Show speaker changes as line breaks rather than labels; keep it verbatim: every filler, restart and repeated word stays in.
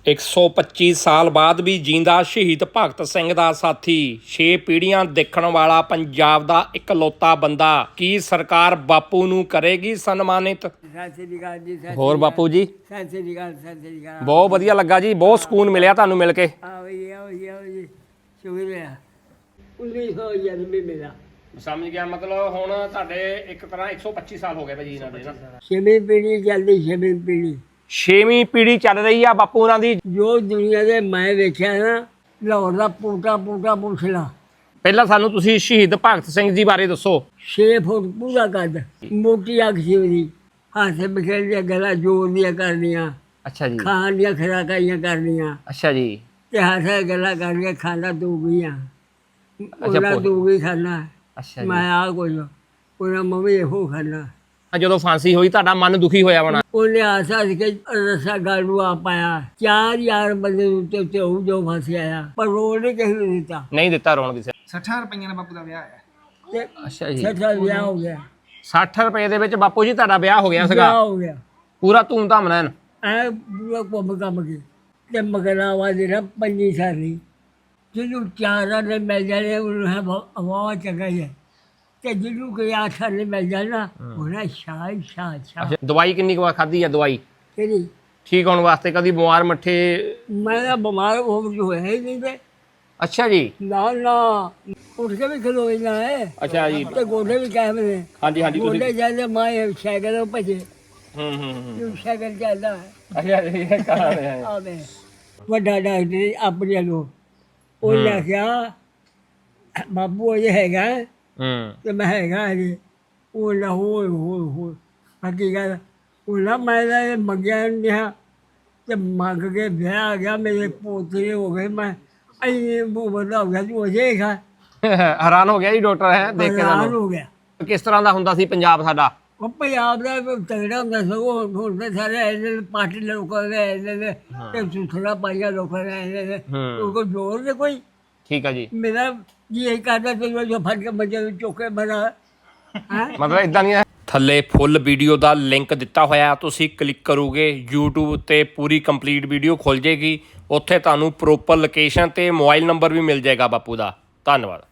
एक सौ पच्चीस साल बाद भी जींदा शहीद भगत सिंह दा साथी छे पीढ़ियां देखण वाला पंजाब दा इकलौता बंदा की सरकार बापू नूं करेगी सन्मानित। होर बापू जी बहुत वधिया लगा जी, बहुत सुकून मिलिया तुहानूं मिल के। समझ गया, मतलब हुण तुहाडे एक तरह एक सौ पच्ची साल हो गए भाजी इन्हां दे ना।
छेवीं पीढ़ी चलदी, छेवीं पीढ़ी
छेवीं पीढ़ी चल रही आ बापू होरां दी।
जो दुनिया दे मैं वेखिया ना, लाहौर दा पूटा पूटा पुछ ला।
ਪਹਿਲਾਂ ਸਾਨੂੰ ਤੁਸੀਂ ਸ਼ਹੀਦ ਭਗਤ ਸਿੰਘ ਜੀ ਬਾਰੇ ਦੱਸੋ।
छे फुट पूरा कद, मोटी अख सी ओहदी, हत्थ बखेर दियां गल्लां जोर दियां करनियां,
ਅੱਛਾ ਜੀ।
खाण दियां खुराकाइयां करनियां
ਅੱਛਾ जी।
ते हत्थ गल्लां करनियां, खाना तू गईयां ਉਹਨਾਂ
ਭੁੱਲ-
तू गई खाना,
ਅੱਛਾ
मैं
ਜੀ।
आ कुछ ਉਹਨਾਂ मम्मी ਇਹੋ खाना।
ਜਦੋਂ ਫਾਂਸੀ ਹੋਈ ਤੁਹਾਡਾ ਮਨ ਦੁਖੀ ਹੋਇਆ ਹੋਣਾ।
ਉਹਨੇ ਆਸ ਹੱਸ ਕੇ ਰਸਾ ਗਲ ਨੂੰ ਆ ਪਾਇਆ। ਚਾਰ ਯਾਰ ਬੰਦੇ ਦੇ ਉੱਤੇ ਉੱਤੇ ਉਹ ਜੋ ਫਸ ਆਇਆ, ਪਰ ਰੋਣ ਨਹੀਂ ਕਿਸੇ ਨੂੰ ਦਿੱਤਾ।
ਨਹੀਂ ਦਿੱਤਾ ਰੋਣ ਕਿਸੇ।
ਸੱਠਾਂ ਰੁਪਈਆਂ ਨਾਲ ਬਾਪੂ ਦਾ ਵਿਆਹ ਹੈ।
ਤੇ
ਅੱਛਾ ਜੀ।
ਛੱਠਾ ਵਿਆਹ ਹੋ ਗਿਆ,
ਸੱਠ ਰੁਪਏ ਦੇ ਵਿੱਚ ਬਾਪੂ ਜੀ ਤੁਹਾਡਾ ਵਿਆਹ ਹੋ ਗਿਆ ਸੀਗਾ
ਵਿਆਹ ਹੋ ਗਿਆ
ਪੂਰਾ ਧੂਮ-ਧਾਮ ਨਾਲ।
ਐ ਪੂਰਾ ਘੁੰਮ ਘੰਮ ਕੇ। ਤੇ ਮਗਰਾਵਾ ਦੇ ਨਾ ਪੰਜੀ ਸਾਰੀ ਜਿਹਨੂੰ ਚਾਰਾਂ ਨੇ ਮਿਲ ਜਾਣੇ ਉਹਨੂੰ ਹੈ ਹਵਾ ਚੰਗਾ ਹੀ ਹੈ, ਤੇ ਜਿਹਨੂੰ ਕੋਈ ਆਠਾਂ ਨੇ ਮਿਲ ਜਾਣਾ ਉਹਨਾਂ ਸ਼ਾਹ ਸ਼ਾਹ ਸ਼ਾਹ।
ਅੱਛਾ, ਦਵਾਈ ਕਿੰਨੀ ਕੁ ਵਾਰ ਖਾਧੀ ਆ ਦਵਾਈ
ਤੇਰੀ
ਠੀਕ ਹੋਣ ਵਾਸਤੇ? ਕਦੀ ਬਿਮਾਰ ਮੱਠੇ?
ਮੈਂ ਤਾਂ ਬਿਮਾਰ ਹੋ ਕੇ ਹੋਇਆ ਹੀ ਨਹੀਂ ਤੇ।
ਅੱਛਾ ਜੀ।
ਨਾ ਨਾ ਉੱਠ ਕੇ ਵੀ ਖਲੋ ਜਾਂਦਾ ਹੈ।
ਅੱਛਾ ਜੀ।
ਤੇ ਗੋਡੇ ਵੀ ਕਾਇਮ ਨੇ।
ਹਾਂਜੀ ਹਾਂਜੀ ਤੁਸੀਂ।
ਗੋਡੇ ਜਾਂਦੇ ਮੈਂ ਸਾਈਕਲ ਭਜੇ,
ਹੂੰ ਹੂੰ ਹੂੰ।
ਸਾਈਕਲ ਚੱਲਦਾ ਹੈ।
ਅੱਛਾ ਜੀ, ਇਹ ਕਹਾਂ ਰਹੇ ਆ।
ਆਵੇ ਵੱਡਾ ਡਾਕਟਰ ਆਪਣੇ ਨੂੰ ਉਹਨੇ ਆਖਿਆ ਬਾਬੂ ਇਹ ਹੈਗਾ
ਹੂੰ।
ਤੇ ਮੈਂ ਹੈਗਾ ਜੀ। ਉਹ ਨਾ ਹੋਏ ਹੋਏ ਹੋਏ ਬਾਕੀ ਗੱਲ ਉਹ ਨਾ ਮੈਂ ਤਾਂ ਇਹ ਮੰਗਿਆ ਨਹੀਂ ਤੇ ਮੰਗ ਕੇ ਵਿਆਹ ਆ ਗਿਆ। ਮੇਰੇ ਪੋਤਰੇ ਹੋ ਗਏ, ਮੈਂ ਅਈ ਬੰਦਾ ਹੋ ਗਿਆ ਤੂੰ ਅਜੇ ਖਾ।
ਹੈਰਾਨ ਹੋ ਗਿਆ ਜੀ ਡਾਕਟਰ ਹੈ ਦੇਖ ਕੇ
ਹੈਰਾਨ
ਤੁਹਾਨੂੰ।
ਹੋ ਗਿਆ।
ਕਿਸ ਤਰ੍ਹਾਂ ਦਾ ਹੁੰਦਾ ਸੀ ਪੰਜਾਬ ਸਾਡਾ?
ਉਹ ਪੰਜਾਬ ਦਾ ਤਗੜਾ ਹੁੰਦਾ ਸਗੋਂ। ਹੁਣ ਤਾਂ ਸਾਰੇ ਇਹਦੇ ਪਾਰਟੀ ਲੋਕਾਂ ਦੇ ਇਹਦੇ ਤੇ ਸੁਥਰਾ ਪਾਈਆ ਲੋਕਾਂ ਨੇ ਇਹਦੇ ਉਹ ਕੋਈ ਜ਼ੋਰ ਨਹੀਂ ਕੋਈ।
ਠੀਕ ਆ ਜੀ।
ਮੇਰਾ ਜੀ ਇਹ ਕਰਦਾ ਤੇ ਜੋ ਫੜ ਕੇ ਬੱਚੇ ਚੁੱਕੇ ਬਣਾ ਹੈ।
ਮਤਲਬ ਇਦਾਂ ਨਹੀਂ ਹੈ। ਥੱਲੇ ਫੁੱਲ ਵੀਡੀਓ ਦਾ ਲਿੰਕ ਦਿੱਤਾ ਹੋਇਆ, ਤੁਸੀਂ ਕਲਿੱਕ ਕਰੋਗੇ YouTube ਤੇ ਪੂਰੀ ਕੰਪਲੀਟ ਵੀਡੀਓ ਖੁੱਲ ਜੇਗੀ। ਉੱਥੇ ਤੁਹਾਨੂੰ ਪ੍ਰੋਪਰ ਲੋਕੇਸ਼ਨ ਤੇ ਮੋਬਾਈਲ ਨੰਬਰ ਵੀ ਮਿਲ ਜਾਏਗਾ ਬਾਪੂ ਦਾ। ਧੰਨਵਾਦ।